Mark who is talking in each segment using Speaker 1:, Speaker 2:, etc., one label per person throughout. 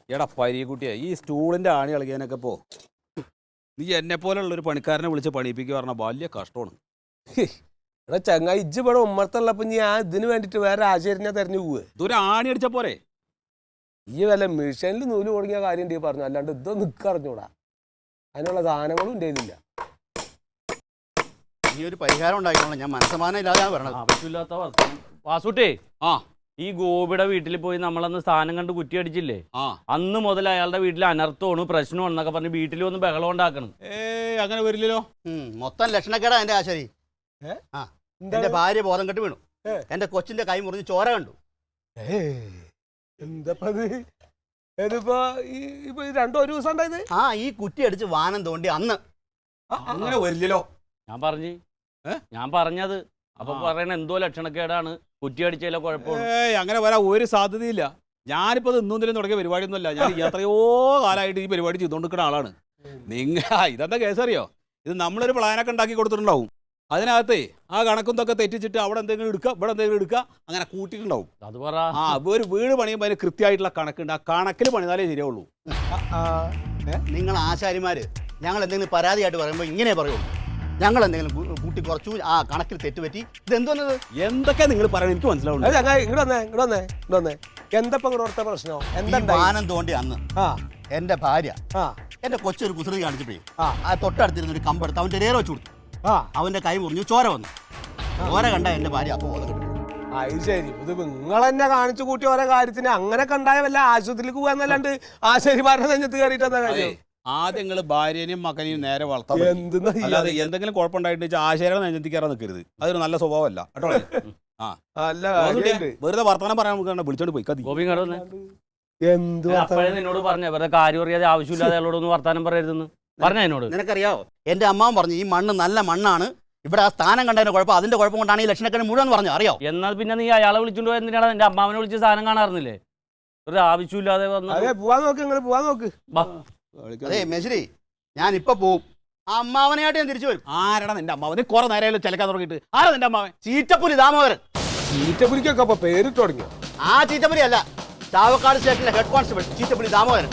Speaker 1: എടാ പരീക്കുട്ടിയെ ഈ സ്റ്റൂളിന്റെ ആണി കളിക്കാനൊക്കെ നീ എന്നെ പോലുള്ളൊരു പണിക്കാരനെ വിളിച്ച് പണിയിപ്പിക്കുക പറഞ്ഞാൽ വലിയ കഷ്ടമാണ്.
Speaker 2: എടാ ചങ്ങായി ഇജ്ജ് ഇവിടെ ഉമ്മർത്തുള്ളപ്പോ ഞാൻ ഇതിന് വേണ്ടിട്ട് വേറെ ആശയത്തിനെ തെരഞ്ഞു പോവേ.
Speaker 1: ഇതൊരു ആണി അടിച്ച പോരെ.
Speaker 2: ഈ വല്ല മിഷനിൽ നൂല് കൊടുങ്ങിയ കാര്യം ഉണ്ടെങ്കിൽ പറഞ്ഞു, അല്ലാണ്ട് ഇതോ നിക്കറിഞ്ഞൂടാ. അതിനുള്ള സാധനങ്ങളും ഉണ്ടായിരുന്നില്ല.
Speaker 3: ഈ ഒരു പരിഹാരം ഉണ്ടായിക്കോളാം. ഞാൻ മനസ്സമാനം ഇല്ലാതെയാണ് പറഞ്ഞത്.
Speaker 4: ആവശ്യമില്ലാത്ത വാസുട്ടേ, ഈ ഗോപിയുടെ വീട്ടിൽ പോയി നമ്മളന്ന് സ്ഥാനം കണ്ട് കുറ്റി അടിച്ചില്ലേ, അന്ന് മുതൽ അയാളുടെ വീട്ടിൽ അനർത്ഥമാണ് പ്രശ്നമാണ് എന്നൊക്കെ പറഞ്ഞ് വീട്ടിൽ വന്ന് ബഹളം ഉണ്ടാക്കണം.
Speaker 1: അങ്ങനെ വരില്ലല്ലോ.
Speaker 3: മൊത്തം ലക്ഷണക്കേടാ എന്റെ ആശാരി. എന്റെ ഭാര്യ ബോധം കെട്ട് വീണു. എന്റെ കൊച്ചിന്റെ കൈ മുറിഞ്ഞ് ചോര കണ്ടു.
Speaker 2: ഇതിപ്പോ രണ്ടോ ഒരു ദിവസം ഉണ്ടായത്.
Speaker 3: ഈ കുറ്റി അടിച്ച് വാനം തോണ്ടി അന്ന്.
Speaker 1: അങ്ങനെ വരില്ലല്ലോ.
Speaker 4: ഞാൻ പറഞ്ഞത് അപ്പൊ പറയണ എന്തോ ലക്ഷണക്കേടാണ്, കുറ്റി അടിച്ചാലോ കുഴപ്പമാണ്.
Speaker 1: അങ്ങനെ വരാൻ ഒരു സാധ്യതയില്ല. ഞാനിപ്പോ ഇത് ഇന്നും തുടങ്ങിയ പരിപാടിയൊന്നുമല്ല. ഞാൻ എത്രയോ കാലമായിട്ട് ഈ പരിപാടി ചെയ്തുകൊണ്ടിരിക്കുന്ന ആളാണ്. ഇതെന്താ കേസറിയോ? ഇത് നമ്മളൊരു പ്ലാനൊക്കെ ഉണ്ടാക്കി കൊടുത്തിട്ടുണ്ടാവും. അതിനകത്ത് ആ കണക്കൊക്കെ തെറ്റിച്ചിട്ട് അവിടെ എന്തെങ്കിലും എടുക്കുക, ഇവിടെ എന്തെങ്കിലും എടുക്കുക, അങ്ങനെ കൂട്ടിയിട്ടുണ്ടാവും.
Speaker 4: അത് പറ.
Speaker 1: ഒരു വീട് പണിയുമ്പോൾ അതിന് കൃത്യമായിട്ടുള്ള കണക്കുണ്ട്. ആ കണക്കിൽ പണിതാലേ ശരിയാവുള്ളൂ.
Speaker 3: നിങ്ങൾ ആശാരിമാര് ഞങ്ങൾ എന്തെങ്കിലും പരാതിയായിട്ട് പറയുമ്പോൾ ഇങ്ങനെ പറയുള്ളൂ. ഞങ്ങൾ എന്തെങ്കിലും കൂട്ടി കുറച്ചു, ആ കണക്കിൽ തെറ്റുപറ്റി. ഇതെന്തോന്നത്?
Speaker 1: എന്തൊക്കെ നിങ്ങൾ പറയുന്നത് എനിക്ക് മനസ്സിലാവുന്നു.
Speaker 2: ഇങ്ങോട്ട് എന്തപ്പോ ഓർത്ത പ്രശ്നം എന്താ?
Speaker 3: വാനം തോണ്ടി അന്ന് എന്റെ ഭാര്യ എന്റെ കൊച്ചൊരു കുസൃതി കാണിച്ചപ്പോഴേ ആ തൊട്ടടുത്തിരുന്ന ഒരു കമ്പെടുത്ത് അവന്റെ രേറ വെച്ച് കൊടുത്തു. അവന്റെ കൈ മുറിഞ്ഞു, ചോര വന്നു. ചോര കണ്ട എന്റെ ഭാര്യ അപ്പൊ ബോധം കിട്ടും.
Speaker 2: അത് ശരി. ഇത് നിങ്ങൾ എന്നെ കാണിച്ചു കൂട്ടി ഓരോ കാര്യത്തിന് അങ്ങനെ കണ്ടായ വല്ല ആശുപത്രിക്ക് പോകാന്നല്ലാണ്ട് ആശാരിമാരുടെ നെഞ്ഞത്ത് കയറിയിട്ടെന്താ കാര്യം?
Speaker 1: ആദ്യം നിങ്ങൾ ഭാര്യനെയും മകനെയും നേരെ വളർത്താൻ. അല്ലാതെ എന്തെങ്കിലും കുഴപ്പമുണ്ടായിട്ട് ആശാരിയുടെ നെഞ്ഞത്തി കയറാൻ നിൽക്കരുത്. അതൊരു നല്ല സ്വഭാവമല്ല കേട്ടോ. വെറുതെ വർത്തമാനം പറയാൻ വിളിച്ചോണ്ട് പോയി.
Speaker 4: നിന്നോട് പറഞ്ഞ വെറുതെ കാര്യം അറിയാതെ ആവശ്യമില്ലാതെ അയാളോടൊന്ന് വർത്താനം പറയരുതെന്ന് പറഞ്ഞ എന്നോട്.
Speaker 3: നിനക്കറിയാവോ, എന്റെ അമ്മാവൻ പറഞ്ഞു ഈ മണ്ണ് നല്ല മണ്ണാണ്, ഇവിടെ ആ സ്ഥാനം കണ്ടതിന്റെ കുഴപ്പം, അതിന്റെ കുഴപ്പം കൊണ്ടാണ് ഈ ലക്ഷണക്കാരൻ മുഴുവൻ പറഞ്ഞു. അറിയോ?
Speaker 4: എന്നാൽ പിന്നെ നീ അയാളെ വിളിച്ചോണ്ട് പോയ എന്തിനാണ് എന്റെ അമ്മാവനെ വിളിച്ച് സാധനം കാണാറുന്നില്ലേ? ഒരു ആവശ്യമില്ലാതെ
Speaker 3: അതെ മെശ്രി, ഞാൻ ഇപ്പൊ പോവും. ആ അമ്മാവനായിട്ട് ഞാൻ തിരിച്ചു വരും.
Speaker 1: ആരാടാ നിന്റെ അമ്മാവൻ? കുറെ നേരം ചിലക്കാൻ തുടങ്ങിയിട്ട്. ആരാ നിന്റെ അമ്മാവൻ?
Speaker 3: ചീറ്റപ്പുലി ദാമോദരൻ.
Speaker 2: ചീറ്റപ്പുലിക്കൊക്കെ അപ്പൊ പേരിട്ട് തുടങ്ങി.
Speaker 3: ആ ചീറ്റപ്പുലി അല്ല, ചാവക്കാട് സ്റ്റേഷനിലെ ഹെഡ് കോൺസ്റ്റബിൾ ചീറ്റപ്പുലി ദാമോദരൻ.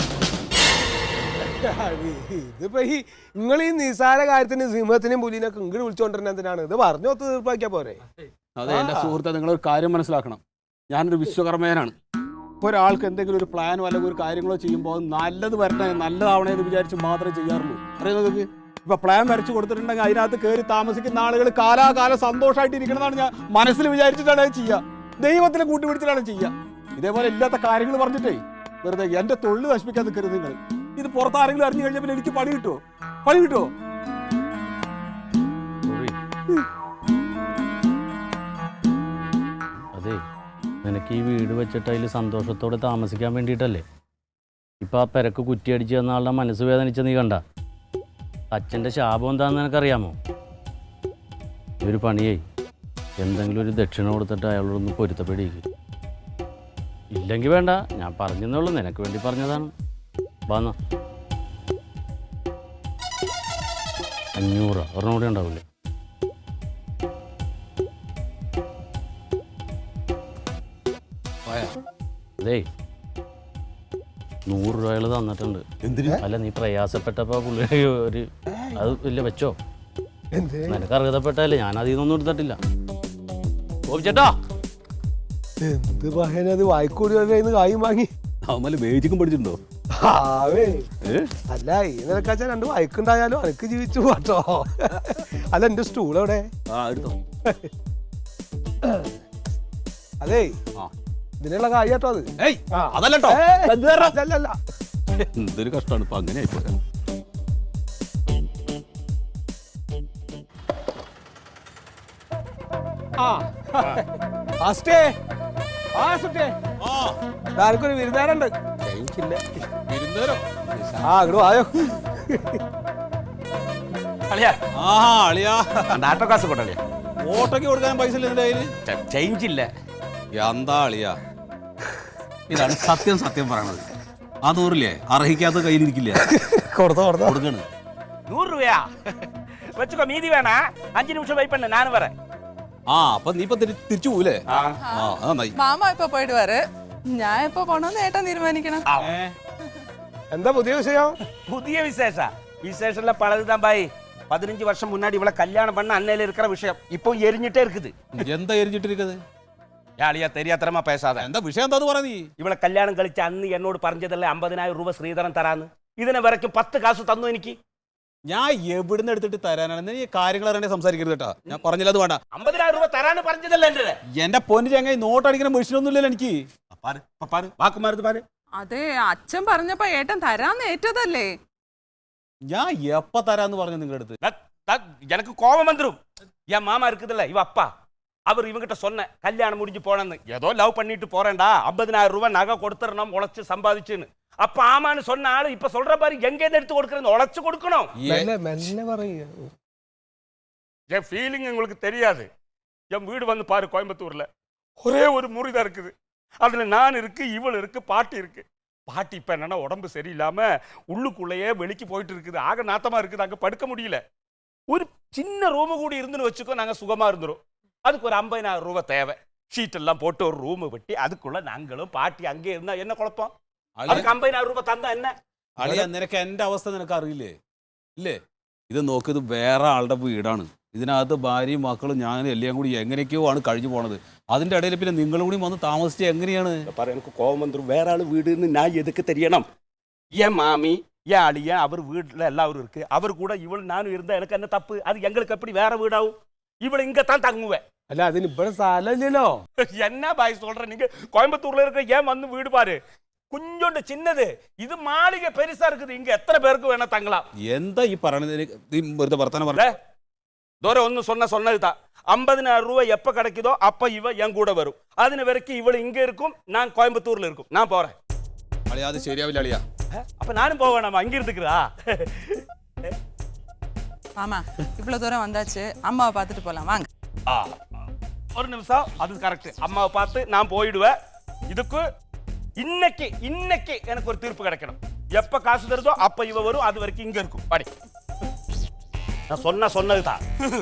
Speaker 2: ഇതിപ്പോ നിങ്ങൾ ഈ നിസാര കാര്യത്തിന് സിംഹത്തിനെയും പുലിനൊക്കെ ഇങ്ങോട്ട് വിളിച്ചോണ്ടിരുന്ന എന്തിനാണ്? ഇത് പറഞ്ഞു ഒത്ത് തീർപ്പാക്കിയാ പോരെ?
Speaker 1: അതെ എന്റെ സുഹൃത്തെ, നിങ്ങളൊരു കാര്യം മനസ്സിലാക്കണം. ഞാനൊരു വിശ്വകർമ്മേനാണ്. ഇപ്പോൾ ഒരാൾക്ക് എന്തെങ്കിലും ഒരു പ്ലാനോ അല്ലെങ്കിൽ ഒരു കാര്യങ്ങളോ ചെയ്യുമ്പോൾ നല്ലത് വരട്ടെ, നല്ലതാവണേ എന്ന് വിചാരിച്ച് മാത്രമേ ചെയ്യാറുള്ളൂ. അറിയുന്നത് ഇപ്പൊ പ്ലാൻ വരച്ചു കൊടുത്തിട്ടുണ്ടെങ്കിൽ അതിനകത്ത് കയറി താമസിക്കുന്ന ആളുകൾ കാലാകാലം സന്തോഷമായിട്ട് ഇരിക്കണമെന്നാണ് ഞാൻ മനസ്സിൽ വിചാരിച്ചിട്ടാണ് അത് ചെയ്യുക. ദൈവത്തിനെ കൂട്ടുപിടിച്ചിട്ടാണ് ചെയ്യുക. ഇതേപോലെ ഇല്ലാത്ത കാര്യങ്ങൾ പറഞ്ഞിട്ടേ വെറുതെ എന്റെ തൊഴിൽ നശിപ്പിക്കാൻ നിൽക്കരുത് നിങ്ങൾ. ഇത് പുറത്താരെങ്കിലും അറിഞ്ഞു കഴിഞ്ഞാൽ പിന്നെ എനിക്ക് പണി കിട്ടുമോ?
Speaker 4: അതെ, നിനക്ക് ഈ വീട് വെച്ചിട്ട് അതിൽ സന്തോഷത്തോടെ താമസിക്കാൻ വേണ്ടിയിട്ടല്ലേ ഇപ്പം ആ പെരക്ക് കുറ്റിയടിച്ച് തന്ന ആളുടെ മനസ്സ് വേദനിച്ച നീ കണ്ട? അച്ഛൻ്റെ ശാപം എന്താണെന്ന് നിനക്കറിയാമോ? ഈ ഒരു പണിയേ എന്തെങ്കിലും ഒരു ദക്ഷിണ കൊടുത്തിട്ട് അയാളോടൊന്ന് പൊരുത്തപ്പെടിയിരിക്കും. ഇല്ലെങ്കിൽ വേണ്ട, ഞാൻ പറഞ്ഞതേ ഉള്ളൂ, നിനക്ക് വേണ്ടി പറഞ്ഞതാണ്. വന്ന 500 ഒരെണ്ണം കൂടെ ഉണ്ടാവില്ലേ? അതേ 100 രൂപ അയാൾ തന്നിട്ടുണ്ട്. അല്ല, നീ പ്രയാസപ്പെട്ടപ്പോ പുള്ളി ഒരു അത് ഇല്ല വെച്ചോ. നിനക്ക് അർഹതപ്പെട്ടല്ലേ, ഞാൻ അതിൽ നിന്നൊന്നും എടുത്തിട്ടില്ല. ചേട്ടാ
Speaker 2: എന്ത് പറയാനത് വായിക്കൂടി കായും വാങ്ങി
Speaker 1: അവന്മാര് വേദിക്കും പഠിച്ചിട്ടുണ്ടോ?
Speaker 2: അല്ല, ഈ നിലക്കാച്ച 2 വായിക്കുണ്ടായാലും അനക്ക് ജീവിച്ചു പോട്ടോ. അല്ല, എന്റെ സ്റ്റൂൾ എവിടെ? അതേ ഇതിനുള്ള കാര്യട്ടോ അത്.
Speaker 1: അതല്ലോ
Speaker 2: അതല്ല,
Speaker 1: എന്തൊരു കഷ്ടമാണ് ഇപ്പൊ അങ്ങനെ ആയിപ്പോ.
Speaker 2: ആർക്കൊരു വിരുന്നേരുണ്ട്. അങ്ങോട്ട് വായോ.
Speaker 1: ഓട്ടോക്ക് കൊടുക്കാൻ പൈസ ഇല്ല എന്റെ കയ്യില്.
Speaker 4: ചേഞ്ച് ഇല്ല.
Speaker 1: എന്താ അളിയാ, ഇതാണ് സത്യം പറയണത്. ആ 100 അർഹിക്കാത്ത കയ്യിലിരിക്കില്ല.
Speaker 4: കൊടുക്കണ് 100 രൂപയാ വെച്ചോ. മീതി വേണ 5 നിമിഷം വെയിറ്റ് பண்ண, நான் வரேன்.
Speaker 1: അപ്പൊ നീ ഇപ്പൊ തിരിച്ചു പോവില്ലേ?
Speaker 5: മാമ ഇപ്പൊ പോയിട്ട് വരെ, ഞാൻ ഇപ്പൊ പോണോന്ന് ഏട്ടൻ തീരുമാനിക്കണം.
Speaker 2: എന്താ പുതിയ വിഷയം?
Speaker 5: புதிய விசேஷம்ல பழகுதான் பாய். 15 வருஷம் முன்னாடி இவளை கல்யாணம் பண்ண அன்னையில இருக்கிற விஷயம் இப்போ எரிஞ்சிட்டே இருக்குது.
Speaker 1: എന്താ എരിഞ്ഞിട്ടിരിക്കുന്നത്?
Speaker 5: யாழியா தெரியாதரமா பேசாத.
Speaker 1: എന്താ വിഷയം എന്താന്ന് പറ നീ.
Speaker 5: இவளை கல்யாணம் கழிச்ச அന്ന് എന്നോട് പറഞ്ഞതല്ലേ 50,000 രൂപ ശ്രീധരൻ തരാന്ന്. ഇതിനെ വരയ്ക്കും 10 കാശ് തന്നു എനിക്ക്.
Speaker 1: ഞാൻ എവിടുന്ന് എടുത്തിട്ട് തരാനാണ്? നീ കാര്യങ്ങൾ അറിയണേ സംസാരിക്കരുത് കേട്ടാ. ഞാൻ പറഞ്ഞില്ല അത് വേണ്ട.
Speaker 5: 50,000 രൂപ തരാന്ന് പറഞ്ഞതല്ലേ എന്റെ.
Speaker 1: എന്റെ പൊന്നു ചങ്ങായി നോട്ട് അടിക്കുന്ന മെഷീനൊന്നും ഇല്ലല്ലോ എനിക്ക്.
Speaker 5: പാര് വാക്കുമാരുത് പാര്.
Speaker 6: അതെ അച്ഛൻ പറഞ്ഞപ്പോ ഏട്ടൻ തരാന്ന് ഏറ്റതല്ലേ.
Speaker 1: ഞാൻ എപ്പ തരാന്ന് പറഞ്ഞു നിങ്ങളുടെ അടുത്ത്?
Speaker 5: எனக்கு கோபம் வந்துடும். என் மாமா இருக்குதுல்ல இவ அப்பா, அவர் இவங்கிட்ட சொன்ன கல்யாணம் முடிஞ்சு போனேன்னு. ஏதோ லவ் பண்ணிட்டு போறேன்டா, 50,000 ரூபாய் நகை கொடுத்துறணும் உழைச்சு சம்பாதிச்சுன்னு. அப்ப ஆமான்னு சொன்ன ஆளு இப்ப சொல்ற பாரு எங்க இருந்து எடுத்து கொடுக்கறது, உழைச்சு கொடுக்கணும். என் ஃபீலிங் உங்களுக்கு தெரியாது. என் வீடு வந்து பாரு கோயம்புத்தூர்ல ஒரே ஒரு முறிதான் இருக்குது. அதுல நான் இருக்கு, இவள் இருக்கு, பாட்டி இருக்கு. பாட்டி இப்ப என்னன்னா உடம்பு சரியில்லாம உள்ளுக்குள்ளேயே வெளிக்கு போயிட்டு இருக்குது. ஆக நாத்தமா இருக்குது, அங்க படுக்க முடியல. ஒரு சின்ன ரூமு கூடி இருந்துன்னு வச்சுக்கோ, நாங்க சுகமா இருந்துரும். அதுக்கு ஒரு 50,000 ரூபாய் தேவை. ஷீட் எல்லாம் போட்டு ஒரு ரூம் வெட்டி அதுக்குள்ள நாங்களும் பாட்டி அங்கே இருந்தா என்ன குழப்பம்? அதுக்கு 50,000 രൂപ തന്നാ എന്നെ?
Speaker 1: അളിയ നിനക്ക് എന്റെ അവസ്ഥ നിനക്ക് അറിയില്ലേ? ഇല്ലേ? ഇത് നോക്ക്, ഇത് വേറെ ആളുടെ വീടാണ്. ഇതിനകത്ത് ഭാര്യയും മക്കളും ഞാൻ എല്ലാം കൂടി എങ്ങനെയൊക്കെയോ ആണ് കഴിഞ്ഞു പോണത്. അതിന്റെ ഇടയിൽ പിന്നെ നിങ്ങളും കൂടി വന്ന് താമസിച്ച് എങ്ങനെയാണ്?
Speaker 5: எனக்கு கோபம் வந்துடும். வேற ஆளு வீடுன்னு நான் எதுக்கு தெரியணும்? என் மாமி என் அழியன் அவர் வீட்டில் எல்லாரும் இருக்கு. அவர் கூட இவள் நானும் இருந்தா எனக்கு என்ன தப்பு? அது எங்களுக்கு எப்படி வேற வீடாகும்? இவள் இங்க தான் தங்குவேன்.
Speaker 2: അല്ല അതിന് ഇവിടെ സ്ഥലമില്ലല്ലോ.
Speaker 5: என்ன பாய் சொல்ற நீங்க? கோயம்புத்தூர்ல இருக்க ஏன் வந்து வீடு பாரு, கொஞ்சோண்டு சின்னது. இது மாளிகை பெருசா இருக்குது. இங்க எத்தனை பேருக்கு வேணா தங்கலாம்.
Speaker 1: എന്താ ഈ പറയണത്? വർത്തമാനം പറഞ്ഞ
Speaker 5: தூரம் ஒன்னு சொன்னதுதான். 50,000 ரூபாய் எப்ப கிடைக்குதோ அப்ப இவ என் கூட வரும். അതിന് வரைக்கும் இவள் இங்க இருக்கும், நான் கோயம்புத்தூர்ல இருக்கும். நான் போறேன்.
Speaker 1: അളിയ അത് ശരിയാവില്ല അളിയ.
Speaker 5: அப்ப நானும் போவேணாமா? அங்க இருந்துக்கிறா?
Speaker 6: ஆமா இவ்வளவு தூரம் வந்தாச்சு, அம்மாவை பார்த்துட்டு போலாம் வாங்க.
Speaker 5: ஒரு நிமிஷம், அது கரெக்ட். அம்மாவை பார்த்து நான் போயிடுவேன். இதுக்கு இன்னைக்கு எனக்கு ஒரு தீர்ப்பு கிடைக்கணும். எப்ப காசு தருதோ அப்ப இவ வரும். அது வரைக்கும் இங்க இருக்கும். பாடி நான் சொன்னதுதான்.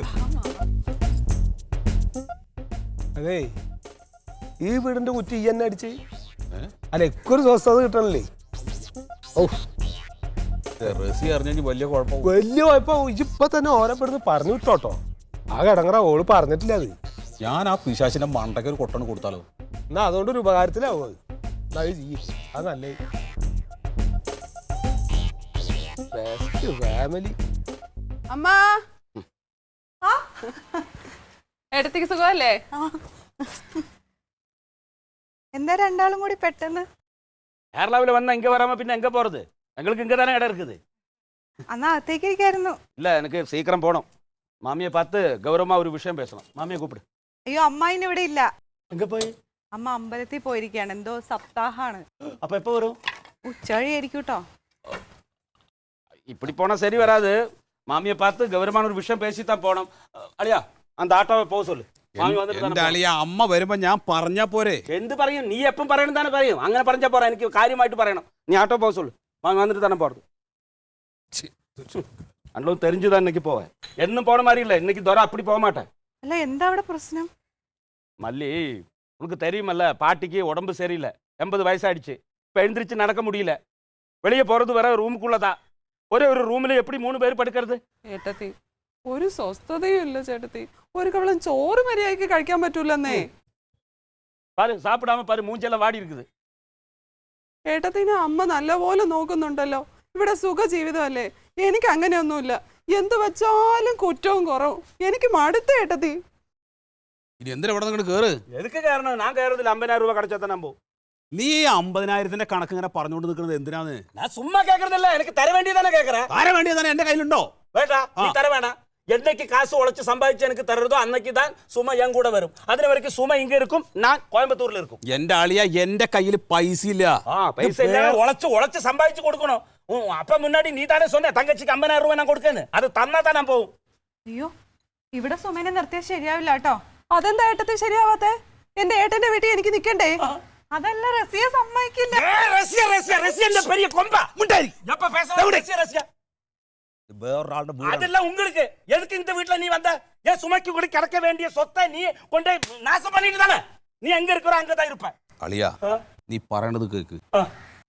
Speaker 2: അതേ ഈ വീടിന്റെ കുറ്റി ഈ എന്നെ അടിച്ച് അല്ല ഒരു സ്വസ്ഥത കിട്ടണല്ലേ. ഓ
Speaker 1: റസി അറിഞ്ഞെങ്കിൽ വലിയ കുഴപ്പം.
Speaker 2: വലിയ കുഴപ്പം. ഇപ്പൊ തന്നെ ഓരോപ്പെടുന്ന് പറഞ്ഞു വിട്ടോട്ടോ. ആ കിടങ്ങറ ഓള് പറഞ്ഞിട്ടില്ല. അത്
Speaker 1: ഞാൻ ആ പിശാചിന്റെ മണ്ടയ്ക്ക് ഒരു കൊട്ടണ് കൊടുത്താലോ?
Speaker 2: എന്നാ അതുകൊണ്ടൊരു ഉപകാരത്തിലാവും. അത് അത് നല്ലേ. ഫാമിലി
Speaker 6: അമ്മ ഏട്ടത്തിക്ക് സുഖമല്ലേ?
Speaker 7: എന്താ രണ്ടാളും കൂടി പെട്ടെന്ന്?
Speaker 5: കേരളാവിൽ വന്ന ഇങ്ങ വരാമ പിന്നെ എങ്ക പോறது? எங்களுக்கு இங்க தானே இடம் இருக்குது.
Speaker 7: അന്നാ അകത്തേക്ക് ഇരിക്കായിരുന്നു.
Speaker 5: இல்ல எனக்கு சீக்கிரம் போகணும். மாமியை பார்த்து கௌரவமா ஒரு விஷயம் பேசணும். மாமியை கூப்பிடு.
Speaker 7: അയ്യോ അമ്മായിന് ഇവിടെ ഇല്ല.
Speaker 5: எங்க போய்?
Speaker 7: അമ്മ അമ്പലത്തിൽ പോയിരിക്കുകയാണ്. എന്തോ സപ്താഹാണ്.
Speaker 5: அப்ப எப்போ வரும்?
Speaker 7: ഉച്ചവഴിയായിരിക്കും കേട്ടോ.
Speaker 5: இப்படி போனா சரி வராது. மாமியை பார்த்து கௌரவமான ஒரு விஷயம் பேசித்தான் போகணும். அழியா அந்த ஆட்டோவை போக சொல்லு. மாமி
Speaker 1: എന്റെ അളിയ അമ്മ വരുമ്പോ ഞാൻ പറഞ്ഞാ പോരെ?
Speaker 5: എന്ത് പറയും? നീ എപ്പം പറയണം തന്നെ പറയും. അങ്ങനെ പറഞ്ഞാ പോരാ, എനിക്ക് കാര്യമായിട്ട് പറയണം. നീ ആട്ടോ പോക சொல்லு. மாமி வந்துட்டு தானே போறது. அண்ணளும் தெரிஞ்சுதான் இன்னைக்கு போவேன். என்னும் போன மாதிரி இல்லை. இன்னைக்கு தோற அப்படி போக மாட்டேன்.
Speaker 7: അല്ല എന്താ അവിടെ പ്രശ്നം?
Speaker 5: மல்லி உனக்கு தெரியுமல்ல, பாட்டிக்கு உடம்பு சரியில்லை. 80 வயசாயிடுச்சு. இப்போ எழுந்திரிச்சு நடக்க முடியல. வெளியே போறது வர ரூமுக்குள்ளதான். ஒரே ஒரு ரூம்ல எப்படி 3 பேர் படுக்கிறது?
Speaker 6: ഏട്ടത്തി ഒരു സ്വസ്ഥതയും ഇല്ല ചേട്ടത്തി. ഒരു കവളം ചോറ് മര്യാദയ്ക്ക് കഴിക്കാൻ പറ്റൂലെന്നേ.
Speaker 5: பாரு சாப்பிடாம பாரு, மூஞ்செல்லாம் வாடி இருக்குது.
Speaker 6: ഏട്ടത്തിനെ അമ്മ നല്ലപോലെ നോക്കുന്നുണ്ടല്ലോ. ഇവിടെ സുഖ ജീവിതമല്ലേ. എനിക്ക് അങ്ങനെയൊന്നുമില്ല. എന്ത് വെച്ചാലും കുറ്റവും കുറവും. എനിക്ക് മടുത്ത ഏട്ടത്തി.
Speaker 1: ഇനി എന്തിനാ ഇവിടെ നിങ്ങൾ കേറ്?
Speaker 5: எதுக்கு காரணம்? நான் கேட்கறதுல 50,000 ரூபாய் கிடைச்சா தான் நம்பும்.
Speaker 1: നീ 50,000ന്റെ കണക്ക് ഇങ്ങനെ പറഞ്ഞുകൊണ്ട് നിൽക്കുന്നത് എന്തിനാന്ന്?
Speaker 5: நான் சும்மா கேட்கறதில்ல, எனக்கு தர வேண்டியதானே கேட்கறேன்.
Speaker 1: ആരെ വേണ്ടിയതാണ്? എന്റെ കയ്യിലുണ്ടോ?
Speaker 5: வேண்டா, நீ தர வேணாம். என்னைக்கு காசு உழைச்சு சம்பாதிச்சு எனக்கு தர்றதோ அன்னைக்கு தான் சும்மா என் கூட வரும். அது வரைக்கும் சும்மா இங்க இருக்கும், நான் கோயம்புத்தூர்ல இருக்கும்.
Speaker 1: എന്റെ അളിയ എന്റെ കയ്യിൽ പൈസ ഇല്ല.
Speaker 5: பைசா இல்ல, உழைச்சு சம்பாதிச்சு கொடுக்கணும். அப்ப முன்னாடி நீ தானே சொன்ன தங்கச்சிக்கு 50,000 ரூபாய் நான் கொடுக்கேன்னு. அது தன்னா தான் நான் போகும்.
Speaker 7: അയ്യോ ഇവിടെ സുമേനെ നിർത്തിയാൽ ശരിയാവില്ല കേട്ടോ.
Speaker 6: അതെന്താ ഏട്ടത്തി ശരിയാവാത്തെ? എന്റെ ഏട്ടന്റെ വീട്ടിൽ എനിക്ക് നിക്കണ്ടേ?
Speaker 7: അതല്ല റസിയ സമ്മതിക്കില്ല.
Speaker 5: ரஷ்யா பெரிய கொம்பா முண்டாரி. எப்ப பேசுற ரஷ்யா?
Speaker 1: വേറൊരാളുടെ വീടാണ്.
Speaker 5: அதெல்லாம் உங்களுக்கு எதுக்கு இந்த வீட்ல நீ வந்த? ஏன் சுமைக்கு கூட கிடக்க வேண்டிய சொத்தை நீ கொண்டே நாசம் பண்ணிட்டு தானே. நீ எங்க இருக்கிறோ அங்கதான் இருப்ப.
Speaker 1: അളിയ നീ പറയണത് കേക്ക്.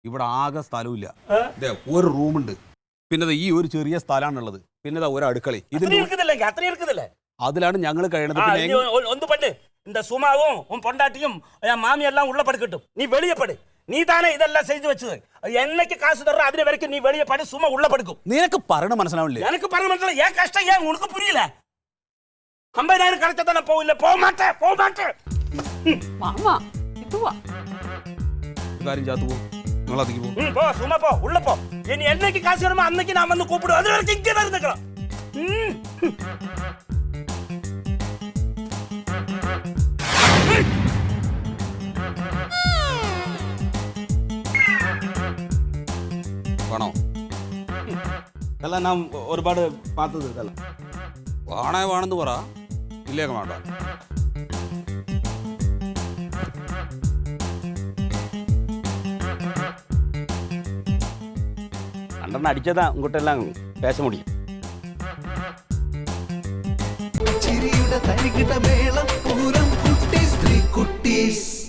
Speaker 1: ഇവിടെ ആകെ സ്ഥലമില്ല. ദേ, ഒരു റൂമുണ്ട്, പിന്നെ ദേ ഈ ഒരു ചെറിയ സ്ഥലമാണുള്ളത്, പിന്നെ ദാ ഒരു അടുക്കള. അതിലാണ് ഞങ്ങൾ കഴിയണത്. പിന്നെ
Speaker 5: ഒന്ന് പണ്ട് இந்த சுமாவும் உன் பொண்டாட்டியும் என் மாமி எல்லாம் உள்ள படுக்கட்டும், நீ வெளியே படு. நீ தானே இதெல்லாம் செய்து வச்சது. என்னைக்கு காசு தர்ற அது வரைக்கும் நீ வெளியே படு, சும்மா உள்ள படுக்கும்.
Speaker 1: നിനക്ക് പറയണ മനസ്സിലാവില്ലേ?
Speaker 5: எனக்கு பரவ മനസ്സിലായി. ஏன் கஷ்டம் ஏன் உனக்கு புரியல? 50,000 கிடைச்சா தானே போவில்லை. போக மாட்டேன்.
Speaker 6: മാമാ ഇത് വാ.
Speaker 1: കാര്യം ചാത്തു പോ, നിങ്ങൾ അതിക്ക് പോ.
Speaker 5: போ, சும்மா போ, உள்ள போ. இனி என்னைக்கு காசு வருமோ அன்னைக்கு நான் வந்து கூப்பிடுவேன். அது வரைக்கும் இங்கே தான் இருந்துக்கலாம்.
Speaker 1: വേണോ?
Speaker 3: ഇതെല്ലാം ഞാൻ ഒരുപാട് പാത്തത് ഇതെല്ലാം.
Speaker 1: വേണമെന്ന് പറ, ഇല്ലേക്ക വേണ്ട.
Speaker 3: അണ്ടെണ്ണം അടിച്ചതാ ഇങ്ങോട്ടെല്ലാം പേശ മുടിയും.
Speaker 8: ചിരിയുടെ തരികിട മേളം